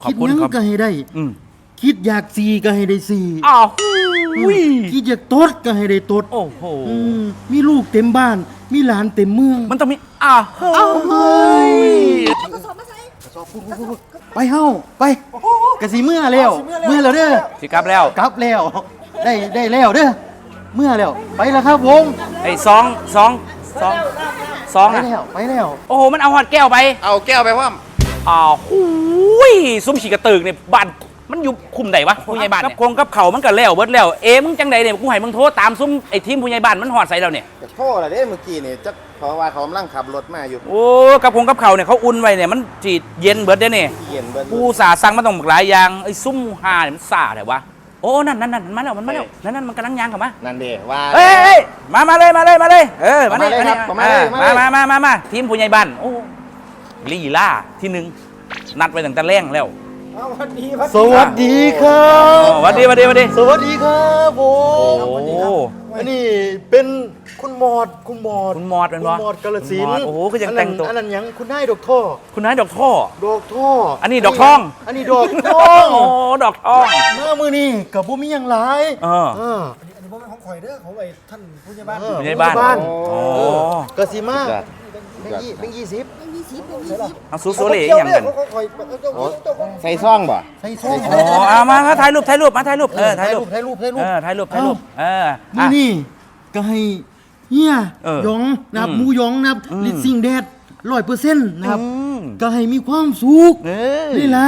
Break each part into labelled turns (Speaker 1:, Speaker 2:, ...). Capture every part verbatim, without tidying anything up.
Speaker 1: ขอบคุณ
Speaker 2: คิดห
Speaker 1: ค
Speaker 2: ยั
Speaker 1: รับ
Speaker 2: งก็ให้ได้
Speaker 1: อืม
Speaker 2: คิดอยากสีก็ให้ได้สี
Speaker 1: อ้าวอุ้ย
Speaker 2: คิดอยากตดก็ให้ได้ตด
Speaker 1: โอ้โห
Speaker 2: อืมมีลูกเต็มบ้าน มีหลานเต็มเมือง
Speaker 1: มันต้องมีอ้าวเฮ้ย
Speaker 2: ไปเฮาไปกะสิเมื่อแล้วเมื่อแล้วเด้อ
Speaker 1: สิกลับแล้ว
Speaker 2: กลับแล้ว ได้ได้แล้วเด้อเมื่อแล้วไปแล้วครับผม
Speaker 1: ไอ้สองสองสองสอง
Speaker 2: ไป
Speaker 1: อะ
Speaker 2: แล้วไปแล้ว
Speaker 1: โอ้โหมันเอาหอดแก้วไป
Speaker 3: เอาแก้วไปว่า
Speaker 1: อ้าวอุ้ยซุ้มฉีกกระตึกเนี่ยบ้านมันอยู่คุมไหนวะผู้ใหญ่บ้านกับคงกับเขามันก็แล้วเบิดแล้วเอ๊ะมึงจังใดเนี่ยกูให้มึงโทรตามซุ้มไอ้ทีมผู้ใหญ่บ้านมันหอดใส่เราเนี่ย
Speaker 3: จะโทษอะไรเด้เมื่อกี้นี่จะเพราะว่าเขากำลังขับรถมาอยู่
Speaker 1: โอ้กับคงกับเขาเนี่ยเขาอุ่นไว้เนี่ยมันจีดเย็นเบิดเด้เนี่ย
Speaker 3: เย็นเบิ้ล
Speaker 1: กูสาสั่งมาต้องหลายอย่างไอ้ซุ้มหาเนี่ยมันสาแต่วะโอ้นั่นนั่นนั่นมันมาแล้วมันมาแล้วนั่นนั่นมันกำลังยางเข้ามา
Speaker 3: นั่นเด้ว่า
Speaker 1: เอ้ยเอ้ยมามาเลยมาเลยมาเลยเออมาเลย
Speaker 3: มาเลยครับ
Speaker 1: มาเลย
Speaker 3: มาเลย
Speaker 1: มา
Speaker 3: มาเลย
Speaker 1: มามามาทีมผู้ใหญ่บ้านโอ้ลีล่าที่หนึ่งนัดไว้ตั้งแต่แรงแล้ว
Speaker 2: สวัสดีครับ
Speaker 1: อ๋อหวัดดีหวัดดีหวัดดี
Speaker 2: สวัสดีครับผม
Speaker 1: โอ้
Speaker 2: อันนี้เป็นคุณหมอดคุณหมอด
Speaker 1: คุณมอดเป็น
Speaker 2: คุณ
Speaker 1: วะ
Speaker 2: หมอดกาฬสิน
Speaker 1: คุณมอด
Speaker 2: ธุ์
Speaker 1: โอ้โหก็ยังแต่งตัว
Speaker 2: อันนั้นอันนั้นหยังคุณนายดอกท่อ
Speaker 1: คุณนายดอกท่อ
Speaker 2: ดอกท่อ
Speaker 1: อั
Speaker 2: อั
Speaker 1: นนี้ดอกทอง
Speaker 2: อันนี้ดอกทอง
Speaker 1: โอ้ดอกทอง
Speaker 2: เมื่อมือนี่กับบุมีหยังหลาย
Speaker 1: เออ
Speaker 2: เออ
Speaker 4: อันนี้ผมเป็นของข่อยเด้อของไอ้ท่านผู้ใหญ่บ้าน
Speaker 2: เออ
Speaker 1: ผู้ใหญ่บ้าน
Speaker 2: ผู้ใหญ่บ้าน
Speaker 1: โอ้
Speaker 2: เออกะสิมา
Speaker 3: จัด
Speaker 2: เป็นยี่เป็นยี่สิบ
Speaker 1: เอาซูโซเล่อย่างกัน
Speaker 4: ของข่อยเจ้าของเจ้าของ
Speaker 3: ใส่ซ่องบ่
Speaker 2: ใส่ซอง
Speaker 1: โอ้เอามามาถ่ายรูปถ่ายรูปมาถ่ายรูปเออถ่ายรูป
Speaker 2: ถ่ายรูปถ่ายรูป
Speaker 1: เออถ่ายรูปถ่ายรูปเออ
Speaker 2: มือ
Speaker 1: อ่ะ
Speaker 2: นี่ก็ให้เฮีย
Speaker 1: เออ
Speaker 2: หยองนะครับ
Speaker 1: อืม
Speaker 2: หมูหยองนะครับ
Speaker 1: อืม
Speaker 2: ลิซซิงแดดร้อยเปอร์เซ็นต์นะครับ
Speaker 1: อืม
Speaker 2: ก็ให้มีความสุข
Speaker 1: เออ
Speaker 2: ได้หลาย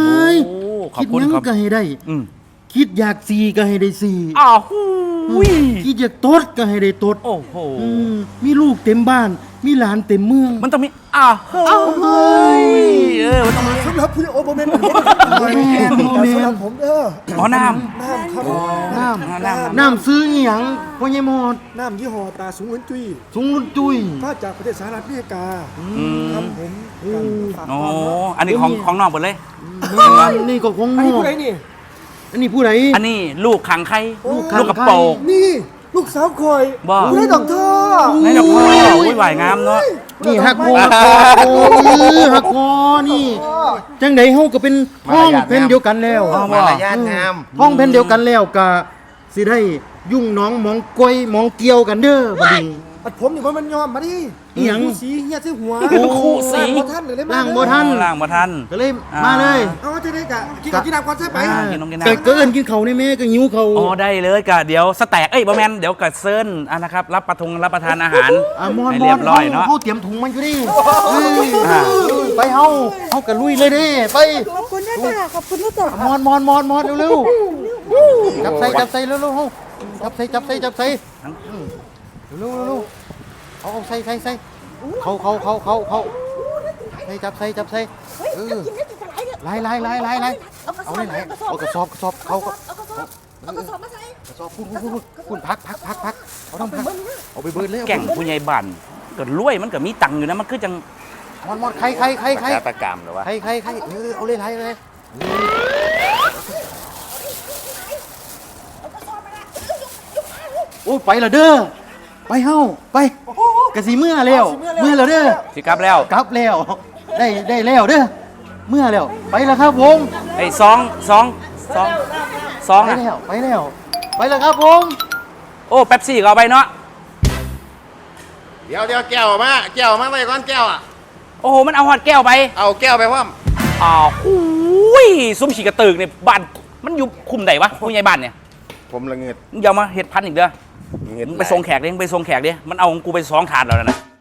Speaker 1: โอ้ขอบ
Speaker 2: คิด
Speaker 1: คุณ
Speaker 2: หยัง
Speaker 1: ครับ
Speaker 2: ก็ให้ได้
Speaker 1: อืม
Speaker 2: คิดอยากสีก็ให้ได้สี
Speaker 1: อ้าวอุ้ย
Speaker 2: คิดอยากตดก็ให้ได้ตด
Speaker 1: โอ้โห
Speaker 2: อืมมีลูกเต็มบ้าน มีหลานเต็มเมือง
Speaker 1: มันต้องมีอ้าวเฮ้ยเออมันต้องมี
Speaker 4: สำหรับผู้ใหญ่โอ้โหเป็น
Speaker 2: โมเมนโมเม
Speaker 4: สำห
Speaker 2: น
Speaker 4: รับผมเด้อ
Speaker 1: อ๋อน้
Speaker 4: น้ำครับ
Speaker 2: น้
Speaker 1: ำน้ำ
Speaker 2: ำน้ำซื้ออีหยังพ่อใหญ่หมด
Speaker 4: น้ำยี่ห้อตาสูงเหมือนจุ้ย
Speaker 2: สูงรุ่นจุ้ย
Speaker 4: ถ้าจากประเทศสหรัฐอเมริกา
Speaker 1: อืม
Speaker 4: ครับผมกันฝาก
Speaker 1: โอ้
Speaker 4: ความเนาะ
Speaker 1: อันนี้ของของนอกหมดเลย
Speaker 2: แม่นนี่ก็ของ
Speaker 4: อัน
Speaker 2: ง
Speaker 4: นี้
Speaker 2: อ
Speaker 4: ผู้ใดนี่
Speaker 2: อันนี้ผู้ใด
Speaker 1: อันนี้ลูกขังไข่
Speaker 2: ลูกขัง
Speaker 1: ลูกกระโปรง
Speaker 4: นี่ลูกสาวข่อย
Speaker 1: บ่
Speaker 4: ผู้ใดดอกท่อ
Speaker 1: ในดอกพ่ออุ้ยหวายงามเนาะ
Speaker 2: นี่ฮักคอฮักคอโอ้ยฮักคอนี่ จังไดเฮาก็เป็นท้องเป็นเดียวกันแล้ว
Speaker 3: มารยาทงาม
Speaker 2: ท้องเป็นเดียวกันแล้วก็สิได้ยุ่งน้องมองกล้วยมองเกี่ยวกันเด้อบัดนี้
Speaker 4: ปัดผมนี่มันยอมมาดิ
Speaker 2: อิหยัง
Speaker 4: ผู้สีเหี้ยซื้อหัว
Speaker 1: คู่สี
Speaker 4: บ่ท่านเลยเลย
Speaker 2: ล่างบ่ทัน
Speaker 1: ล่างมาทัน
Speaker 2: ก็เลย
Speaker 1: อ่าม
Speaker 2: มาเลย
Speaker 4: เอาจะได้กะกินกับกินน้ำก่อนใช่ไป
Speaker 1: อ่ากินนมกินน้ำ
Speaker 2: ก็เกินกินเขาวในแม่ก็หิวเขาว
Speaker 1: อ๋อได้เลยกะเดี๋ยวสแต็กเอ้ยบะแมนเดี๋ยวกะเซิร์นอ่ะนะครับรับประทงรับประทานอาหาร
Speaker 2: อ่ะมอน
Speaker 1: ให้
Speaker 2: ม
Speaker 1: เรี
Speaker 2: อย น
Speaker 1: บร้อยเนาะ
Speaker 2: เฮาเตรียมถุงมันอยู่ดิเอ้ย
Speaker 1: อ่า
Speaker 2: ไปเฮาเฮาก็ลุยเลยเด้ไป
Speaker 5: ขอบคุณนะจ๊ะขอบคุณนะจ๊ะ
Speaker 2: มอนมอนมอนมอนเร็วๆจับใส่จับใส่เร็วๆเฮาจับใส่จับใส่จับใส่อืมเร็วๆเร็วๆเอาเอาใส่ใส่ใส่เขาเขาเขาเขาเขาใส่จับใส่จับใส่
Speaker 5: เฮ้ย
Speaker 2: เออ
Speaker 5: กินได้จะไหลเนี่ย
Speaker 2: ไล่ไล่ไล่ไล่ไล่
Speaker 5: เอากระส
Speaker 2: เอา
Speaker 5: อบ
Speaker 2: ไล่ไล่
Speaker 5: เอากระสอบ
Speaker 2: เอากระสอบกระสอบเขาก็
Speaker 5: เอากระสอบเอากระสอบมาใส่
Speaker 2: กระสอบพูดพูดพูดพูดพักพักพักพักเอาต้องพักเอาไปเบิร์ดเลย
Speaker 1: แก่งผู้ใหญ่บ้านก็รวยมันก็มีตังค์อยู่นะมันคือจัง
Speaker 2: มอนมอนใครใครใครใคร
Speaker 3: ฆาตกรรมหรือวะ
Speaker 2: ใครใครใครเออเอาเลยไล่เลย
Speaker 5: เอากระสอบมาละเอ้ยยกยกมาเลย
Speaker 2: โอ้ไปละเด้อไปเฮาไปกะสีเมื่อแล้วเมื่อแล้วเด้อ
Speaker 1: สิกลับแล้ว
Speaker 2: กลับแล้วได้ได้แล้วเด้อเมื่อแล้วไปแล้วครับผม
Speaker 1: ไอ้สองสองสองสอง
Speaker 2: ไป
Speaker 1: อ่ะ
Speaker 2: แล้วไปแล้วไปแล้วครับผม
Speaker 1: โอ้เป๊ปซี่ก็เอาไปเนาะ
Speaker 3: เดี๋ยวเดี๋ยวแก้วมาแก้วมาไว้ก่อนแก้วอ่ะ
Speaker 1: โอ้โหมันเอาหอดแก้วไป
Speaker 3: เอาแก้วไปว่า
Speaker 1: อ้าวอุ้ยซุ้มฉีกกระตึกเนี่ยบ้านมันอยู่คุมไหนวะผู้ใหญ่บ้านเนี่ย
Speaker 3: ผมละเงิด
Speaker 1: มึงอย่ามาเห็ดพันอีกเด้อ
Speaker 3: เงิด
Speaker 1: มึงไปส่งแขกดิมึงไปส่งแขกดิมันเอาของกูไปสองถาดแล้วนะ